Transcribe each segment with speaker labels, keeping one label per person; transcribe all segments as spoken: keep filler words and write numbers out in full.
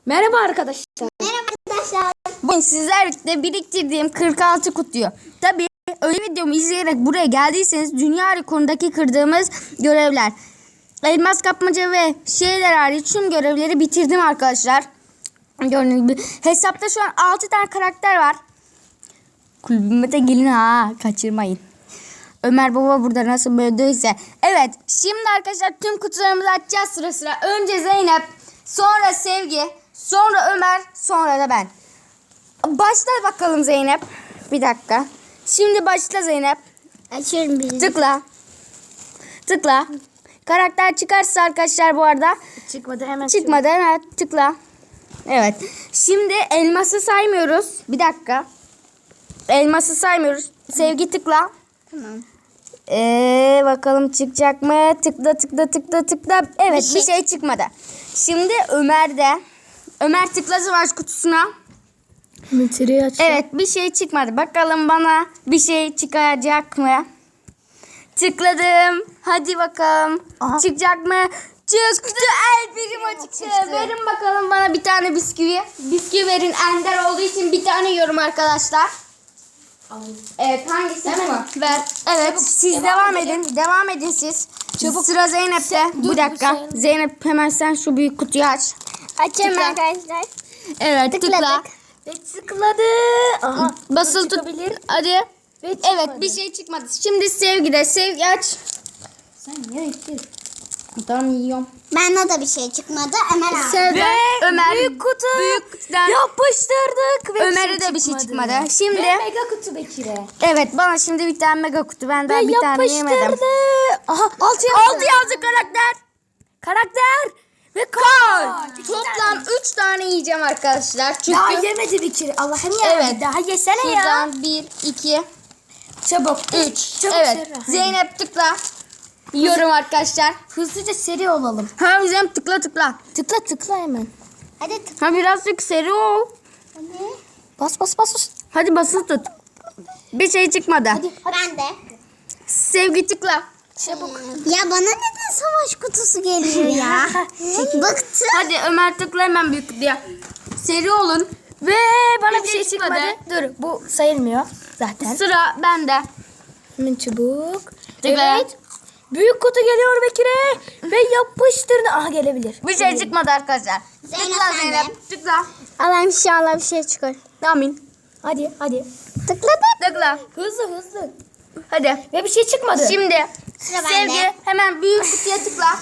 Speaker 1: Merhaba arkadaşlar.
Speaker 2: Merhaba arkadaşlar.
Speaker 3: Bugün sizlerle biriktirdiğim kırk altı kutuyu. Tabii öyle videomu izleyerek buraya geldiyseniz dünya rekorundaki kırdığımız görevler. Elmas kapmaca ve şeyler hariç tüm görevleri bitirdim arkadaşlar. Gördüğünüz gibi hesapta şu an altı tane karakter var. Kulübüme de gelin ha, kaçırmayın. Ömer Baba burada nasıl böldüyse. Evet, şimdi arkadaşlar tüm kutularımızı açacağız sıra sıra. Önce Zeynep, sonra Sevgi, sonra Ömer, sonra da ben. Başla bakalım Zeynep. Bir dakika. Şimdi başla Zeynep.
Speaker 2: Açıyorum birini.
Speaker 3: Tıkla. Tıkla. Karakter çıkarsa arkadaşlar bu arada.
Speaker 1: Çıkmadı hemen.
Speaker 3: Çıkmadı hemen tıkla. Evet. Şimdi elması saymıyoruz. Bir dakika. Elması saymıyoruz. Sevgi tıkla.
Speaker 2: Tamam.
Speaker 3: Ee, bakalım çıkacak mı? Tıkla tıkla tıkla tıkla. Evet, bir şey, bir şey çıkmadı. Şimdi Ömer'de. Ömer tıkla savaş kutusuna.
Speaker 1: Metereyi aç.
Speaker 3: Evet, bir şey çıkmadı. Bakalım bana bir şey çıkacak mı? Tıkladım. Hadi bakalım.
Speaker 1: Aha.
Speaker 3: Çıkacak mı? Çıktı. El birim çıktı.
Speaker 2: çıktı.
Speaker 3: Verin bakalım bana bir tane bisküvi. Bisküvi verin. Ender olduğu için bir tane yiyorum arkadaşlar. Evet, hangisi bu? Ver. Evet,
Speaker 1: Çabuk,
Speaker 3: siz
Speaker 1: devam
Speaker 3: devam
Speaker 1: edelim.
Speaker 3: edin. Devam edin siz.
Speaker 1: Çabuk.
Speaker 3: Sıra Zeynep'te.
Speaker 1: Dur,
Speaker 3: Bir dakika.
Speaker 1: dur, sayalım.
Speaker 3: Zeynep hemen sen şu büyük kutuyu aç.
Speaker 2: Açıyorum
Speaker 3: Tıkla.
Speaker 2: arkadaşlar.
Speaker 3: Evet, tıkla.
Speaker 2: Tıkladık.
Speaker 1: Ve tıkladı. Aha.
Speaker 3: Basılı tut.
Speaker 1: çıkabilir.
Speaker 3: Hadi.
Speaker 1: Ve
Speaker 3: Evet,
Speaker 1: çıkmadı.
Speaker 3: bir şey çıkmadı. Şimdi Sevgi'de. Sevgi aç.
Speaker 1: Sen niye ettin?
Speaker 3: Tamam, yiyorum.
Speaker 2: Bende de bir şey çıkmadı. Ömer abi.
Speaker 3: Sevda, Ömer.
Speaker 1: büyük kutu.
Speaker 3: Büyük kutudan.
Speaker 1: Yapıştırdık. Ve
Speaker 3: Ömer'e de bir şey çıkmadı. Şimdi.
Speaker 1: Ve mega kutu Bekir'e.
Speaker 3: Evet, bana şimdi bir tane mega kutu. Ben daha
Speaker 1: Ve
Speaker 3: bir tane yemedim.
Speaker 1: yapıştırdı. Aha altı yazdı.
Speaker 3: Altı yazdı karakter.
Speaker 1: Karakter. Ve
Speaker 3: Kar.
Speaker 1: kar.
Speaker 3: Toplam üç tane yiyeceğim arkadaşlar. Çünkü
Speaker 1: Daha yemedi Bekir. Allah'ım ya.
Speaker 3: Evet.
Speaker 1: Daha yesene ya.
Speaker 3: şuradan bir, iki,
Speaker 1: Çabuk.
Speaker 3: üç.
Speaker 1: Çabuk
Speaker 3: Evet.
Speaker 1: Serra.
Speaker 3: Zeynep tıkla. Yiyorum arkadaşlar.
Speaker 1: Hızlıca seri olalım.
Speaker 3: Ha Zeynep tıkla tıkla.
Speaker 1: Tıkla tıkla hemen.
Speaker 2: Hadi tıkla.
Speaker 3: Ha birazcık seri ol.
Speaker 2: Hadi.
Speaker 1: Bas bas bas. bas.
Speaker 3: Hadi basılı tut. Bir şey çıkmadı.
Speaker 1: Hadi.
Speaker 2: Ben de.
Speaker 3: Sevgi tıkla.
Speaker 1: Çabuk.
Speaker 2: Ya bana neden savaş kutusu geliyor ya? Bıktım.
Speaker 3: Hadi Ömer tıkla hemen büyük kutuya. Seri olun.
Speaker 1: Ve bana
Speaker 3: Bir
Speaker 1: bir
Speaker 3: şey
Speaker 1: şey çıkmadı.
Speaker 3: çıkmadı.
Speaker 1: Dur bu sayılmıyor zaten.
Speaker 3: Sıra bende.
Speaker 1: Hemen çabuk.
Speaker 3: Tıkla.
Speaker 1: Evet. Büyük kutu geliyor Bekir'e. Ve yapıştırdı. Aha gelebilir.
Speaker 3: Bir şey çıkmadı arkadaşlar.
Speaker 2: Zeynep
Speaker 3: Tıkla
Speaker 2: sende.
Speaker 3: Zeynep. Tıkla.
Speaker 2: Allah'ım inşallah bir şey çıkar.
Speaker 3: Amin.
Speaker 1: Hadi hadi.
Speaker 2: Tıkladım.
Speaker 3: Tıkla.
Speaker 1: Hızlı hızlı.
Speaker 3: Hadi.
Speaker 1: Ve bir şey çıkmadı.
Speaker 3: Şimdi
Speaker 2: Sıra bende.
Speaker 3: Sevgi hemen büyük kutuya tıkla.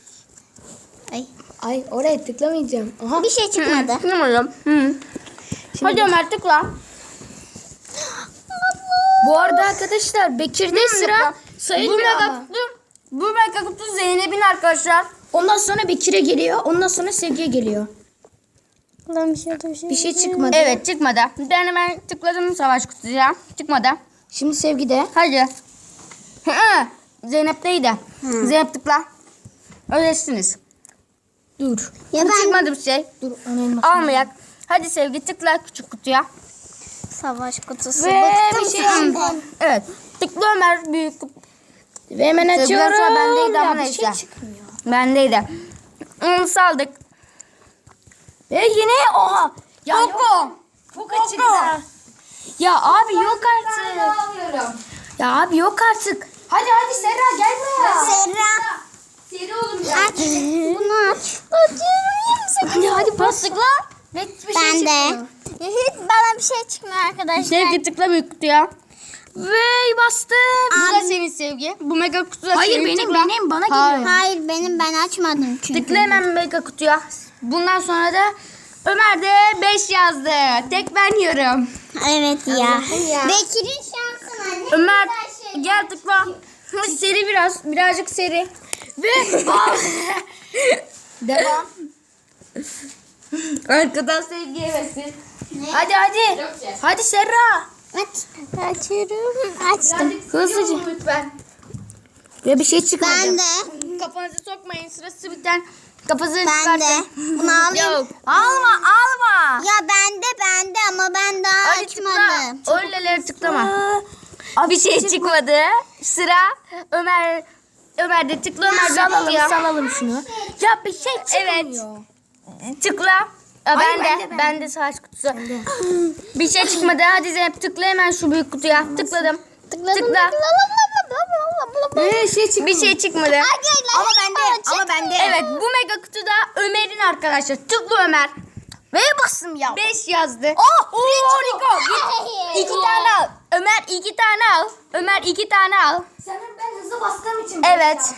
Speaker 2: Ay.
Speaker 1: Ay oraya tıklamayacağım. Aha.
Speaker 2: Bir şey çıkmadı.
Speaker 3: Tıklamadım. Hı. Hadi Ömer tıkla.
Speaker 1: Bu arada arkadaşlar Bekir'de sıra
Speaker 3: Bu
Speaker 1: sayılmıyor
Speaker 3: mega
Speaker 1: ama.
Speaker 3: kutu, bu mega kutu Zeynep'in arkadaşlar.
Speaker 1: Ondan sonra Bekir'e geliyor. Ondan sonra Sevgi'ye geliyor.
Speaker 2: Allah'ım bir şey bir şey.
Speaker 1: Bir şey çıkmadı.
Speaker 3: Evet çıkmadı. Ben hemen tıkladım savaş kutuya. Çıkmadı.
Speaker 1: Şimdi Sevgi'de.
Speaker 3: Hadi. Hı, Zeynep'teydi. Zeynep tıkla. Öylesiniz.
Speaker 1: Dur.
Speaker 2: Ya
Speaker 3: Bu
Speaker 2: ben
Speaker 3: çıkmadı bir şey.
Speaker 1: Dur onu elmasını.
Speaker 3: Almayak. Hadi Sevgi tıkla küçük kutuya.
Speaker 2: savaş kutusu.
Speaker 1: Ve
Speaker 2: Bıktım
Speaker 1: bir şey
Speaker 2: senden.
Speaker 3: Evet. Tıkla Ömer büyük kutu.
Speaker 1: Ve hemen
Speaker 3: Sevgi'den
Speaker 1: açıyorum.
Speaker 3: sonra bendeydi ama
Speaker 1: Ya bir
Speaker 3: neyse.
Speaker 1: şey çıkmıyor.
Speaker 3: Bendeydi. Onu saldık.
Speaker 1: Ve yine oha. Ya yok.
Speaker 3: Koko.
Speaker 1: Foka
Speaker 3: Koko.
Speaker 1: çıktı. Ya abi yok artık.
Speaker 3: alıyorum.
Speaker 1: Ya abi yok artık. Hadi hadi Serra gel buraya.
Speaker 2: Serra.
Speaker 3: Seri olun ya.
Speaker 2: Aç. Bunu aç. Açıyorum.
Speaker 1: Hadi hadi bas.
Speaker 3: Tıkla.
Speaker 1: Ve bir
Speaker 2: Ben
Speaker 1: şey
Speaker 2: de.
Speaker 1: çıkmıyor.
Speaker 2: Hiç bana bir şey çıkmıyor arkadaşlar.
Speaker 3: Sevgi tıkla büyük kutuya.
Speaker 1: Ve bastım.
Speaker 3: Bu da senin Sevgi. Bu mega kutu da
Speaker 1: Hayır,
Speaker 3: senin.
Speaker 1: benim,
Speaker 3: Tıkla.
Speaker 1: benim, bana
Speaker 3: Hayır.
Speaker 1: geliyor.
Speaker 2: Hayır benim ben açmadım çünkü.
Speaker 3: Tıkla hemen mega kutuya. Bundan sonra da Ömer de beş yazdı. Tek ben yiyorum.
Speaker 2: Evet ya.
Speaker 1: Allah'ım ya.
Speaker 2: Bekir'in şansına ne
Speaker 3: Ömer
Speaker 2: güzel şey.
Speaker 3: gel tıkla. Hadi seri biraz. Birazcık seri.
Speaker 1: Ve devam.
Speaker 3: Arkadan Sevgi yemesin.
Speaker 1: Hadi hadi.
Speaker 3: Yok şey.
Speaker 1: Hadi Serra.
Speaker 2: Aç. Açıyorum. Açtım.
Speaker 3: Birazcık seri
Speaker 1: Hızlıca.
Speaker 3: olun lütfen.
Speaker 1: Ve bir şey çıkmadı.
Speaker 2: Ben de.
Speaker 3: Kafanızı sokmayın. Sırası biten. Kafanızı
Speaker 2: Ben de.
Speaker 3: çıkartın.
Speaker 2: Bunu alayım.
Speaker 3: Yok. Alma alma.
Speaker 2: Ya bende bende ama ben daha
Speaker 3: Hadi
Speaker 2: açmadım.
Speaker 3: tıkla. Öyleleri tıklama.
Speaker 1: Aa,
Speaker 3: Bir şey çıkmadı. Sıra Ömer. Ömer de tıkla. Ömer de
Speaker 1: Salalım
Speaker 3: tıklıyor.
Speaker 1: salalım şunu. Ya bir şey çıkmıyor.
Speaker 3: Evet. Tıkla. Aa,
Speaker 1: Hayır,
Speaker 3: ben,
Speaker 1: ben
Speaker 3: de,
Speaker 1: de, ben
Speaker 3: ben de savaş kutusu. Bir şey çıkmadı. Hadi Zeynep tıkla hemen şu büyük kutuya. Tıkladım. Tıkla.
Speaker 1: Ee, şey çıktı.
Speaker 3: Bir şey çıkmadı.
Speaker 1: Ama bende. Ama bende.
Speaker 3: Evet bu mega kutuda Ömer'in arkadaşlar. Tıkla Ömer.
Speaker 1: V'ye bastım ya.
Speaker 3: beş yazdı.
Speaker 1: Oh,
Speaker 3: Oo, Rico. Git. İki tane al. Ömer iki tane al. Ömer iki tane al.
Speaker 1: Sanırım ben hızlı bastığım için.
Speaker 3: Evet.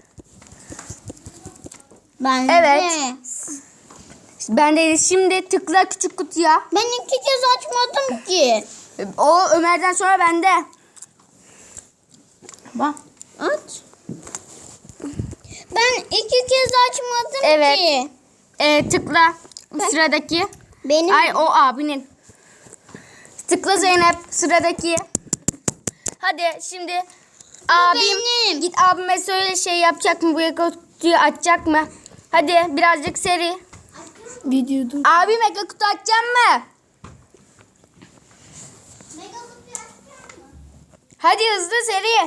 Speaker 2: Ben
Speaker 3: Evet.
Speaker 2: de.
Speaker 3: Ben de şimdi tıkla küçük kutuya.
Speaker 2: Ben iki kez açmadım ki.
Speaker 3: O Ömer'den sonra bende.
Speaker 1: Bak.
Speaker 2: Aç. Ben iki kez açmadım
Speaker 3: Evet.
Speaker 2: ki.
Speaker 3: Ee, tıkla sıradaki.
Speaker 2: Benim
Speaker 3: Ay o abinin. Tıkla Zeynep sıradaki. Hadi şimdi abim
Speaker 2: benim.
Speaker 3: git abime söyle şey yapacak mı, bu kutuyu açacak mı? Hadi birazcık seri.
Speaker 1: Videoda.
Speaker 3: Abi mega kutu açacak mı? Hadi hızlı seri.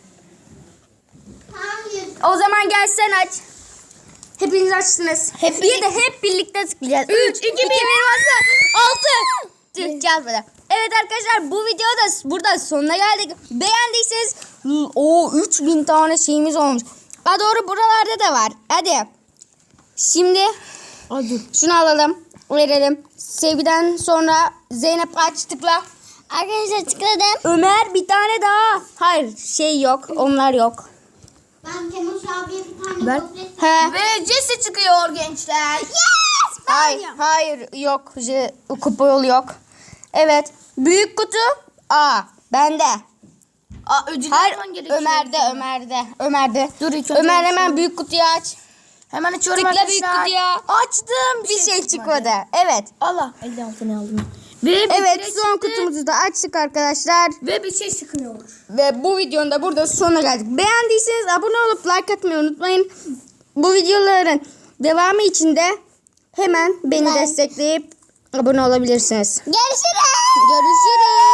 Speaker 3: O zaman gel sen aç. Hepiniz açtınız. Hep bir de hep birlikte tıklayacağız. üç, iki, bir, bastı. altı. Tıklayacağız böyle. Evet arkadaşlar bu videoda burada sonuna geldik. Beğendiyseniz o üç bin tane şeyimiz olmuş. Ha doğru buralarda da var. Hadi. Şimdi
Speaker 1: Hadi.
Speaker 3: şunu alalım. Verelim. Sevgiden sonra Zeynep aç tıkla.
Speaker 2: Arkadaşlar tıkladım.
Speaker 3: Ömer bir tane daha. Hayır şey yok. Onlar yok.
Speaker 2: Ben Kemal abiye bir tane
Speaker 1: Ben-
Speaker 2: gofret.
Speaker 3: He.
Speaker 1: Ve Jesse çıkıyor gençler.
Speaker 2: Yes!
Speaker 3: Hayır, hayır yok. Je, kupa yolu yok. Evet. Büyük kutu A. Bende.
Speaker 1: Aa, ödül
Speaker 3: Hayır.
Speaker 1: alman gerekiyor.
Speaker 3: Ömer'de, Ömer'de. Ömer'de.
Speaker 1: Dur, ilk önce
Speaker 3: Ömer
Speaker 1: bir
Speaker 3: hemen
Speaker 1: şey-
Speaker 3: büyük kutuyu aç.
Speaker 1: Hemen açıyorum
Speaker 3: Tıkla
Speaker 1: arkadaşlar.
Speaker 3: büyük kutuya.
Speaker 1: Açtım.
Speaker 3: Bir şey çıkmadı. Evet.
Speaker 1: Allah. elli altı ne aldım. Ve bir
Speaker 3: Evet
Speaker 1: kere
Speaker 3: son
Speaker 1: çıktı.
Speaker 3: kutumuzu da açtık arkadaşlar.
Speaker 1: Ve bir şey çıkıyor.
Speaker 3: Ve bu videonun da burada sonuna geldik. Beğendiyseniz abone olup like atmayı unutmayın. Bu videoların devamı için de hemen beni
Speaker 2: Ben-
Speaker 3: destekleyip abone olabilirsiniz.
Speaker 2: Görüşürüz.
Speaker 3: Görüşürüz.